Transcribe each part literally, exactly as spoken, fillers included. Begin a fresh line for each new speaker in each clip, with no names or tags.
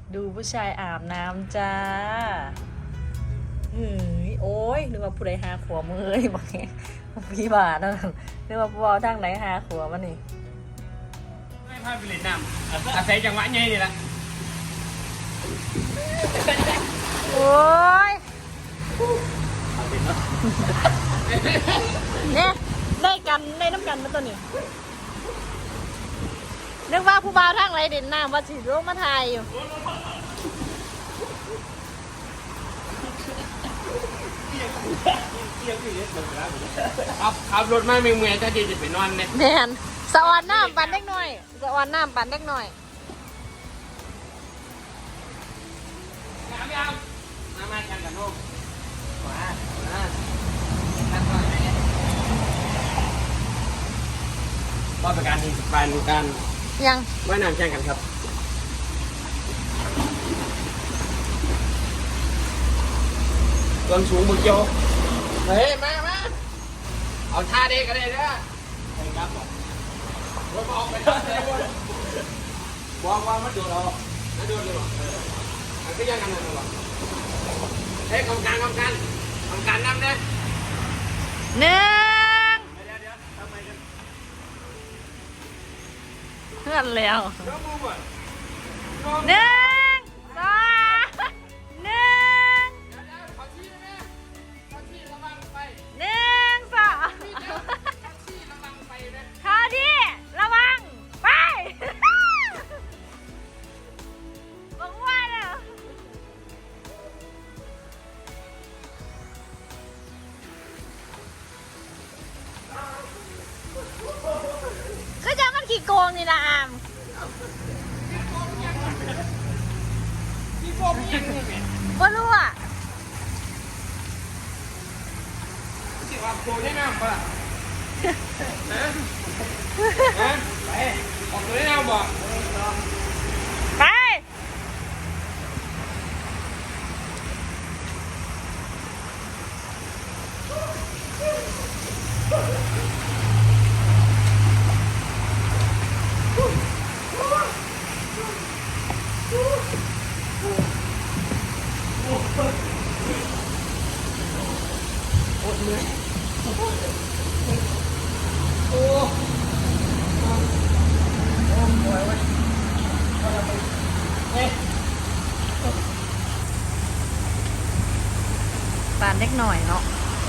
ดูผู้ชายอาบน้ำจ้าเฮ้ยโอ้ยนึกว่าผู้ใดหาขัวมือเลยบอกงี้พี่บาทนั่นนึกว่าผู้เอาทางไหนหาขัวมันนี่
ไม่พลาดไปเล่นน้ำอาศัยจังหวะไงนี่แหละ
โอ้ยเนี่ยได้กันได้น้ำกันมาตัวนี้นึกว่าผู้บ่าวทางไรเด่นน้ำว่าสิลงมาถ่ายอยู่
ขับขับรถมาเมื่อยๆถ้าดีจะไปนอนเนี่ย
แมนสวรรค์น้ำปั่นเล็กหน่อยสวรรค์น้ำปั่นเล็กหน่อย
น้ำยังน้ำมาแข่งกันลูกมามาก็เป็นการที่เป็นการ
ยัง
ว่ายน้ำแข่งกันครับต้นสูงบุกโจเฮ้ยมามาเอาท่าเด็กกันเลยนะไปครับบอกว่าออกไปแล้วบอกว่ามันโดนเราไม่โดนเลยหรอมันก็ยังกันนั่นหรอเฮ้ยกองการกองการกองการนำเนี่ย
หนึ่ง
เดี๋ยวเดี๋ยวทำไมกัน
เพื่อนแล้ว
น้องมูบ่
หนึ่งสองหนึ่งหนึ่งสองข้าที่ระวังไปบอกว่าเลยก็จะมันขี้โกงนี่ละอามบ่รู้อ่ะ
สิว่าโกได้น้ำป่ะฮะฮะไปออกตัวได้น้ำบ่
ไปปานเล็กหน่อยเนาะ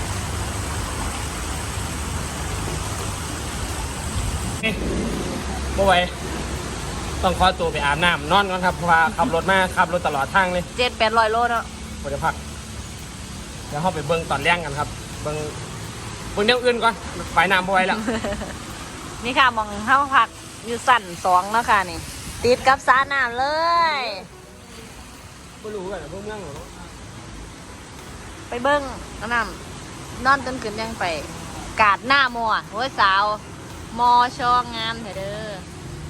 บ่ไหวต้องขอตัวไปอาบน้ำนอนก่อนครับเพราะว่าขับรถมาขับรถตลอดทางเลย
เจ็ดแปดร้อยโลเนาะ
บ่ได้พักเดี๋ยวเข้าไปเบิ้งตอนแรกกันครับเบิ้งเบิ้งเดี๋ยวอื่นก่อนไปน้ำบ่ไหวแล้ว
นี่ค่ะมองเข้าพักอยู่สั่นสองแล้วค่ะนี่ติดกับสระน้ำเลย
ไม่รู้กันนะพวกเมืองหรอ
ไปเบิ้งน้ำนอนจนขึ้นยังไปกาดหน้ามัวโอ้ยสาวมอชองงามเถอะเด้อ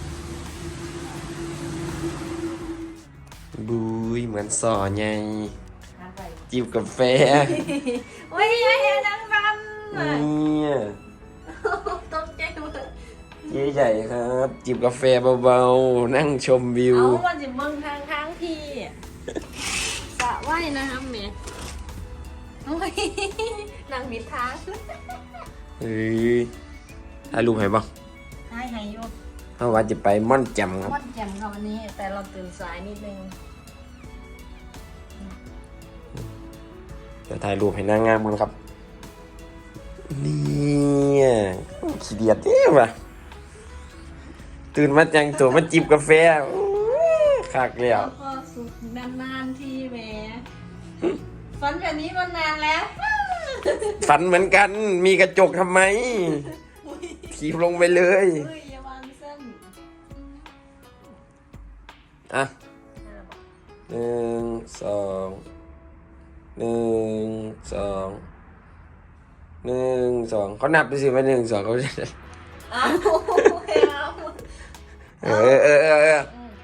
บุยเหมือนสอไงจิบกาแฟ
โอ้ยเห็นนังบัน
เนี่ย
ตกใจหมด
ใหญ่ๆครับ จิบกาแฟเบาๆนั่งชมวิว
เอาวันจิบเบิ้งทางทางพี่สระว่ายนะครับเมย์โอ้ยนางมิดทาง
เฮ้ยถ่ายรูปให้บ้าง
ให้ให้โยก
เพราะว่าจะไปม่อนแจ่มครับ
ม่อนแจ่มค่ะวันนี้แต่เราตื่นสายนิดนึง
เดี๋ยวถ่ายรูปให้นางงามกันครับนี่ขี้เดียดเนี่ยว่ะตื่นมาจังตัวมาจิบกาแฟคักแล้ว
ก็สุดนานๆทีแหมฝันแบบนี้มานานแล้ว
ฝันเหมือนกันมีกระจกทำไมถีบลงไปเลย
อย่าวางเส้น
อ่ะหนึ่งสองหนึ่งสองหนึ่งสองเขานับไปสิว่าหนึ่งสองเขาจะ
เอา
เออเออเออเออ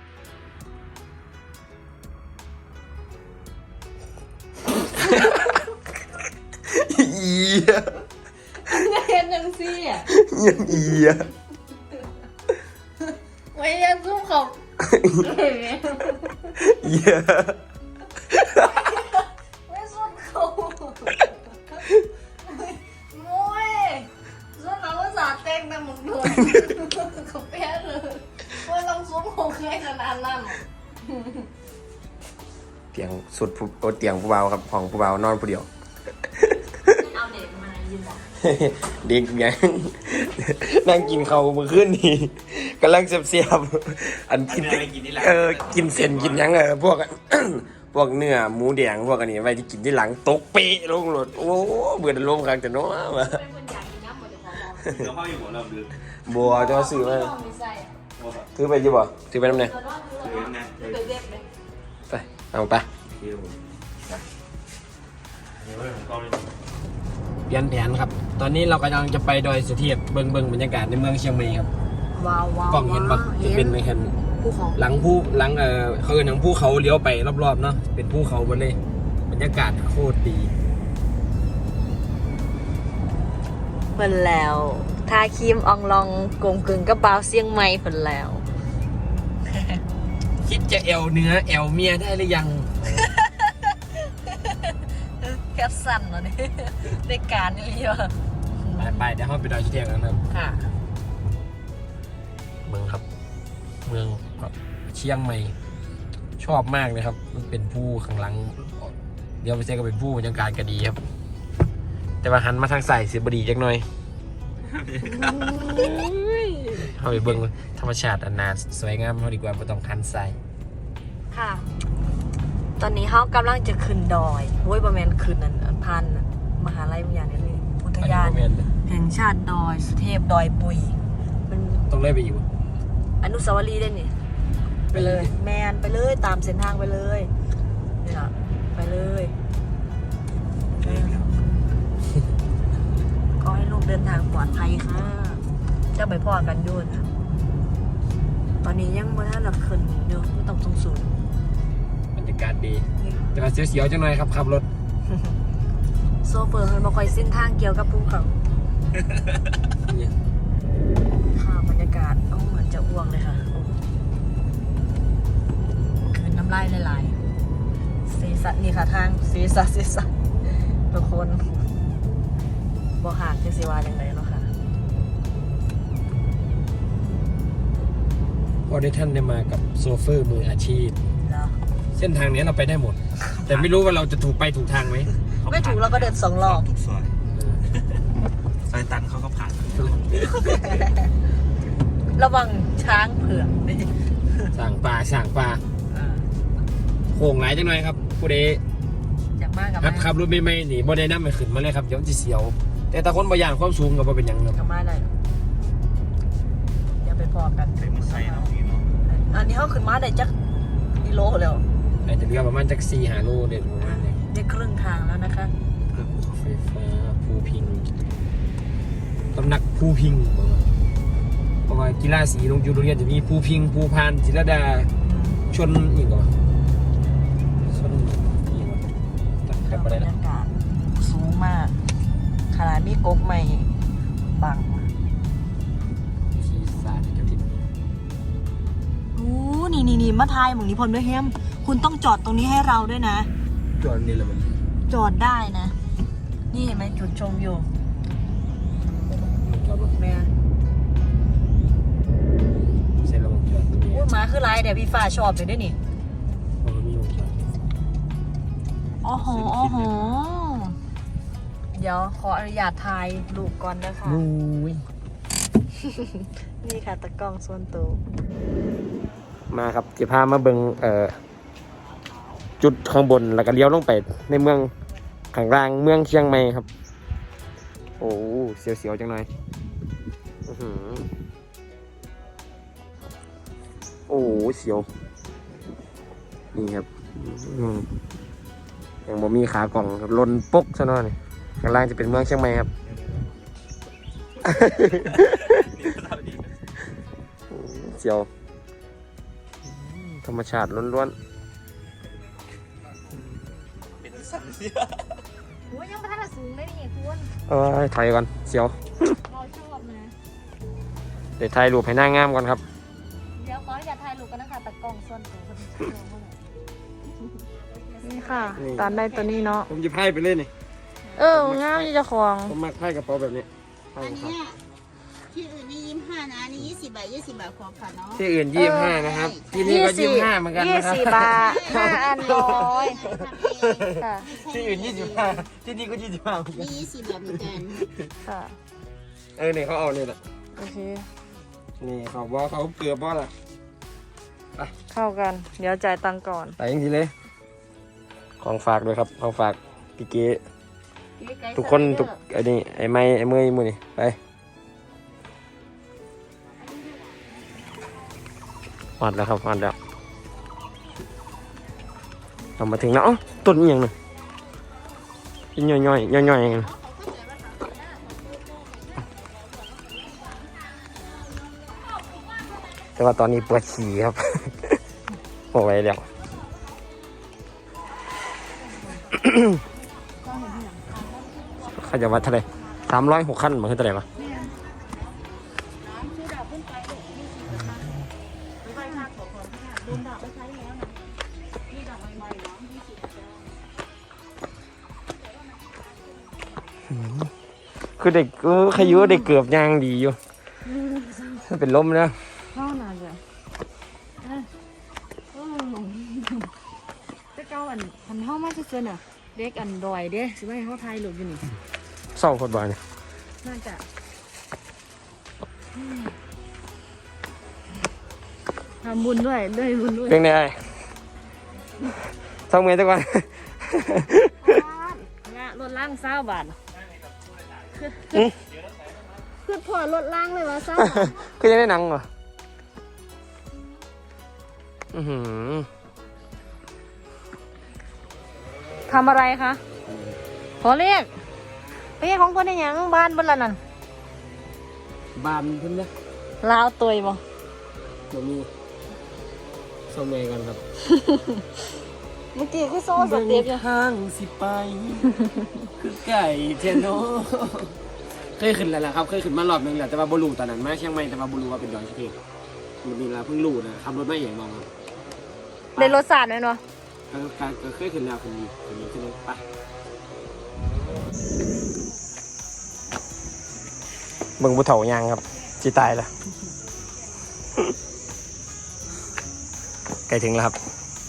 อี
เห็นยังซี่อ่ะ
ยังอีอ่ะ
ไม่ยังซุ่มขอบ
เยอะ
ไม่ส้นเขาโม้ยส้นเราก็สาเต้งแต่มึงโดนเขาเปี้ยเลยว่าต้องซุ้มของใครขนาดนั้น
เตียงสุดผู้โอเตียงผู้เบาครับของผู้เบานอนผู้เดียว
เอาเด็กมายืนบอก
เด็กยังนั่งกินเขาวมือขึ้นนี่กำลังเสียบๆอันกินเออกินเส้นกินหยังเออพวก พวกเนื้อหมูแดงพวกอันนี้ไว้ที่กินที่หลังตกเป๊ะลงรถโอ้เบื่อจะล้มครั้งแต่โน้มา
เป็นคนอยากกินน้ำหมดเลยขอบอก
เราเข้าอยู่หัวเราดึก
บัวจะซื้อมา
ต้องมีไส้อะ
ถือไปอยี่บ่ถือไปน้ำเนี่ย
เดี๋ยวรอดเดี๋ยวรอดเดี๋ยวไปเด็กเลย
ไปเอาไป
เดี๋ยวเดี๋ยวผมเข้าเลย
เปลี่ยนแผนครับ ตอนนี้เรากำลังจะไปดอยสุเทพเบิ่งเบิ่งบรรยากาศในเมืองเชียงใหม่ครับ
ว้าวว้าว
กล้องเห็นปะจะเป็นในแค่น
ภูเขา
หลังภูหลังเออเขาเอิ้นหลังภูเขาเลี้ยวไปรอบๆเนาะเป็นภูเขาหมดเลยบรรยากาศโคตรดี
เพิ่นแล้วทาครีมอองลองกลมกึ่งกระเป๋าเสียงใหม่เพิ่นแล้ว
คิดจะแอวเนื้อแอวเมียได้หรือยัง
แคปสั้นเหรอเนี่ยได้การนี่เลยว่ะ
ไปไปเดี๋ยวเราไปดอยสุเทพกันครับ
ค่ะ
เมืองครับ เมืองเชียงใหม่ ชอบมากเลยครับ มันเป็นผู้ข้างหลัง เดี๋ยวไปเจอก็เป็นผู้บรรยากาศก็ดีครับ แต่ว่าหันมาทางใส่เสียบดีจักหน่อยเข้าไปเบิ่งธรรมชาติอันนาสวยงามเขาดีกว่าไม่ต้องหันใส่
ค่ะ ตอนนี้เขากำลังจะขึ้นดอยโว้ยประมาณขึ้นนั่นอันพันนั่นมหาลัยวิทยาเนี่ยนี่อุทยาน
อันนี้บ่แม่นเลย
แห่งชาติดอยสุเทพดอยปุยมัน
ต้องเล่นไปอยู่
อนุสาวรีย์ได้นี่ไปเลย แมนไปเลยตามเส้นทางไปเลยนี่ล่ะไปเลยก็ให้ลูกเดินทางปลอดภัยค่ะเจะไปพ่อกันอยุ่นค่ะตอนนี้ยังไม่ทันหลับขึ้นอยู่ไม่ต้องสงสูง
บรรยากาศดี แต่ว่าเสียวๆจังหน่อยครับขับรถ
โซเฟอร์มันมาคอยเส้นทางเกี่ยวกับภูเขาค่ะบรรยากาศโอ้เหมือนจะอ้วกเลยค่ะโอ้คืนน้ำลายหลายๆสีสันนี่ค่ะทางสีสันสีสันทุกคนบอหากจะสิวาอย่างไรเนาะค่ะ
พอได้ท่านได้มากับโซเฟอร์มืออาชีพ
แล้ว
เส้นทางนี้เราไปได้หมด แต่ไม่รู้ว่าเราจะถูกไปถูกทางไหม
ไม่ถูกเราก็เดินสองรอบ
ทุกซอยซอยตันเขาก็ผ่าน
ระวังช้างเผือกนี่
สั่งปลาสั่งปลาโค้งหลายจังหน่อยครับผู้ใด
จากมากกับ
ครับ
มา
ขับรถไม่ไม่หนีบ่ได้น้ำไม่ขึ้นมาเลยครับเดี๋ยวมันจะเสียว แต่ถ้าคนบางอย่างความสูงก็บ่เป็นหยังครับ
กับมาได้อย่าไปพอกัน
ใช้มือใส่เนาะนี่เนาะ
อันนี้เขาขึ้นมาได้จักกิโลแล้ว
อาจจะเหลือประมาณจักสี่หาโลเด็ดประมาณนี้
ได้ครึ่งทางแล้วนะคะ
ไฟฟ้าภูพิงตำหนักภูพิงเพราะว่ากีฬาสีโรงอยู่โรงเรียนจะมีภูพิงภูพานจิรดาชนอีกเหรอชนอีกเหรอตัดกลับไป
บร
ได้
ร
นะ
ยากาศสูงมากขนาดนี้กกไม่บัง
ชีสาดกระถิ่น
โอ้นี่นี่นี่มาทายหมองนี้พลด้วยแฮมคุณต้องจอดตรงนี้ให้เราด้วยนะ
จอดนี่แหละมัน
จอดได้นะ นี่เห็นไหมจุดชมอยู่
จอดรถ
แม่
เส้นระบบจอดตรงนี้
อุ้ยหมาคือไรเดี๋ยวพี่ฟ้าชอบเลยด้วยนี่
เพราะมันมีวงจอด
อ๋อโหอ๋อโหเดี๋ยวขออนุญาตถ่ายรูปก่อนนะคะ
มุ้ย
นี่ค่ะตะกล้องส่วนตัว
มาครับจะพามาเบิงเอ่อจุดข้างบนแล้วก็เลี้ยวลงไปในเมืองข้างล่างเมืองเชียงใหม่ครับ โอ้เสียวๆจังหน่อยอื้อหือโอ้เสียวนี่ครับอืมยังบ่มีขากล่องครับลนปกซะหน่อยข้างล่างจะเป็นเมืองเชียงใหม่ครับ เสียวธรรมชาติล้วน
เป็นสันเสีย
โอ้ยยังไม่ทันสูงเลยนี่คุณ
ๆเอ้ยถอยก่อนเสียว
เราชอบนะ
เดี๋ยวถ่ายรูปให้หน้างามก่อนครับ
เดี๋ยวขออนุญาตถ่ายรูปกันนะคะตะกล้องส่วนตัวคนที่ชอบค่ะ
นี่
ตอนได้ตัวนี้เนาะ
ผมจะไพ่ไปเล่นนี่
เอองามจะคลอง
ผมมักไพ่กระเป๋าแบบนี้ไพ่
อัน
ครับ
เนี้ยที่อื่นนี่ยี่สิบห้านะอันนี้ยี่สิบบาทยี่สิบบาทพอค่ะเนาะ
ที่อื่นยี่สิบห้านะครับ ที่นี่ก็ยี่สิบห้าเหมือนกัน
ยี่
นะครับ
สิบบาทห้าอันร้อยค่ะ
ที่อื่นยี่สิบห้าที่นี่ก็ยี่สิบห้า
นี่ยี่สิบบาทเหมือนกัน
ค่ะ
เออเนี่ยเขาเอาเนี่ยแหละ
โอเค
นี่เขาบอกเขาเกลือบ่ล่ะ
เข้ากัน เดี๋ยวจ่ายตังค์ก่อน
ไปจริงๆเลย ของฝากด้วยครับของฝากพี่เก๋ทุกคนทุกไอ้นี่ไอ้ไม้ไอ้เมย์มือนี่ไปหอดแล้วครับหอดแล้วเรามาถึงแล้วเอ้าต้นอหย่างหนึ่งย่อยย่อยย่อยย่อยๆอย่างแต่ว่าตอนนี้ปวดฉี่ครับ โอ้ยเดี๋ยว เขาจะวัดเท่าไหร่สามร้อยหกขั้นมันคือเท่าไหร่ปะคือเด็กเออขยุเด็กเกือบยางดีอยู่เป็นลมแล้ว
เข้าหนาจ้ะแต่เก้าอันพันเข้ามาจะเกินอ่ะ เด็กอันดอยเด้สิว่าให้เขาทายหลุดอยู่นี่
เศร้าคนบ้านเนี่ย
น่าจะทำบุญด้วยด้วยบุญด้วย
เป็นไงไอ้เศร้าเมย์ทุกวัน
งะรถล่างเศร้าบาท
อืม
คือพอรถล่างเลยวะเศร้า
ก็ยังได้หนังเหรออือหือ
ทำอะไรคะขอเรียกไปเรียกของคนในยังบ้านบนละนั่น
บานเพิ่นเนี่ย
ลาวตัวบ่
ตัวมีเศร้าเมย์กันครับ
เมื่อกี้คือโซ่สเต็ปอยู่
ทางสิไป คือไก่เทโนเคยขึ้นแล้วล่ะครับเคยขึ้นมารอบนึงแหละแต่ว่าบลูตอนนั้นมาเชียงใหม่แต่ว่าบลูว่าเป็นดอยสุเทพมันมีเวลาเพิ่งรู้นะขับรถไม่ใหญ่มองครับ
ในรถสาดไหมเนาะ
ก็ก็ก็เคยขึ้นแล้วคนนี้คนนี้ขึ้นเลยไปเบิ่งบุเถายางครับจีตายแล้ว ใกล้ถึงแล้วครับ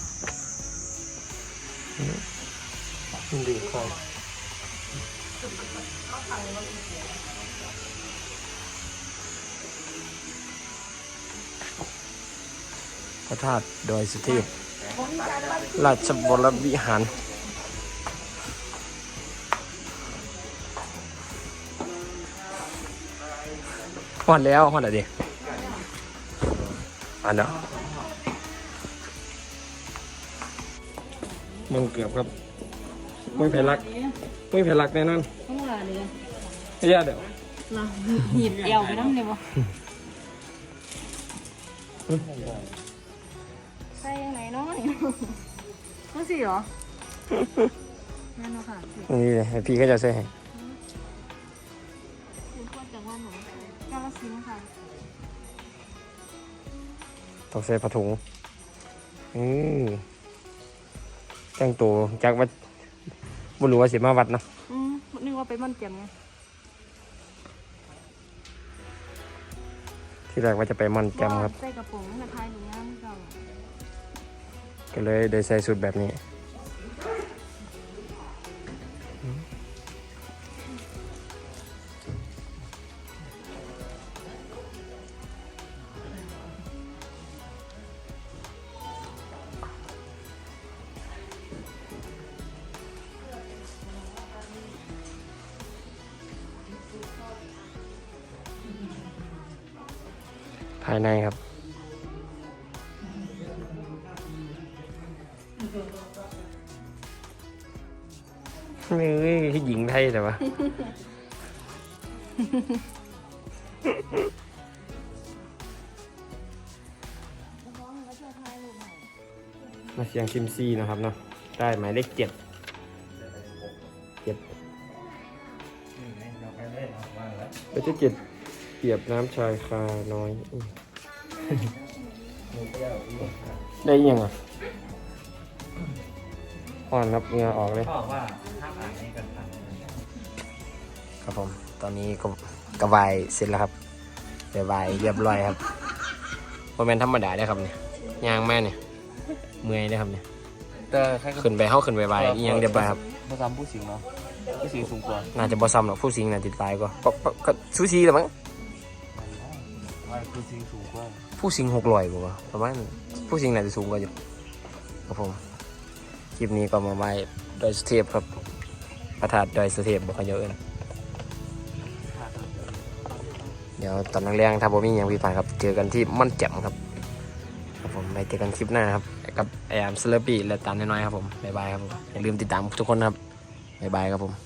ดีครับพระธาตุดอยสุเทพราชบรวิหารฮอดแล้วฮอดอะไรดิอันเนาะมึงเกือบครับไม่แพ้รักไม่แพ้รักแน่นอน
ต้องลาเลย
ไม่ยากเดี๋ยว
ลาหยิบเอวไปนั่งเลยบ่ใส่ยังไงเนาะนี่ก็สิเหรอนั่นเนาะค่ะ
นี่เลยให้พี่ก็จะใส่ให้
เป็นคนจังหวัดหนูกาฬสินธุ์ค่ะ
ต้องใส่ผ้าถุงอืมแต่งตัวจากวัดบุรุษว่าสิมาวัดเนาะ
อืมนึกว่าไปม่อนแจ่มไง
ที่แรกว่าจะไปมอนแจมครับ
ใส่กระโปรงกระทายหรืองามจัง
ก็เลยได้ใส่ชุดแบบนี้ภายในครับนี่คือหญิงไทยแต่ว่า มาเสียงซิมซีนะครับเนาะได้หมายเลขเจ็ดเจ็ดไปที่เจ็ดเปรียบน้ำชายคาน้อยอืม ได้ยังอ่ะ ขอ่อนครับเหงื่อออกเลย
พ่อว่าห้ามอ่านนี้กันทัน
ครับผมตอนนี้ก็กระบายเสร็จแล้วครับกระบายเรียบร้อยครับโมเมนธรรมดาได้อครับเนี่ยยางแม่เนี่ยเมื่อยได้อครับเนี่ย
แต่ใคร
ขึ้นไปเข้าขึ้นไปบายอีหยังเรียบร้อยครับ
ภาษาผู้สิงเนาะผู้สิงสูงกว่า
น่าจะบ่ซ้ำหรอกผู้สิงน่าติดตายก็ก็ก็ก็ซูซีแหละมั้ง
ผู้สิงสูงกว่า
ผู้สิงหกร้อยกว่าประมาณผู้สิงน่าจะสูงกว่าอยู่ครับผมคลิปนี้ก็มาไว้ดอยสุเทพครับพระธาตุดอยสุเทพบอกกันเยอะเลยเดี๋ยวตอนแรงๆถ้าผมมีอย่างพิพาทครับเจอกันที่ม่อนแจ่มครับครับผมไปเจอกันคลิปหน้าครับกับไอแอมสเลอร์ปี้และตามน้อยๆครับผมบ๊ายบายครับผมอย่าลืมติดตามทุกคนนะครับบ๊ายบายครับผม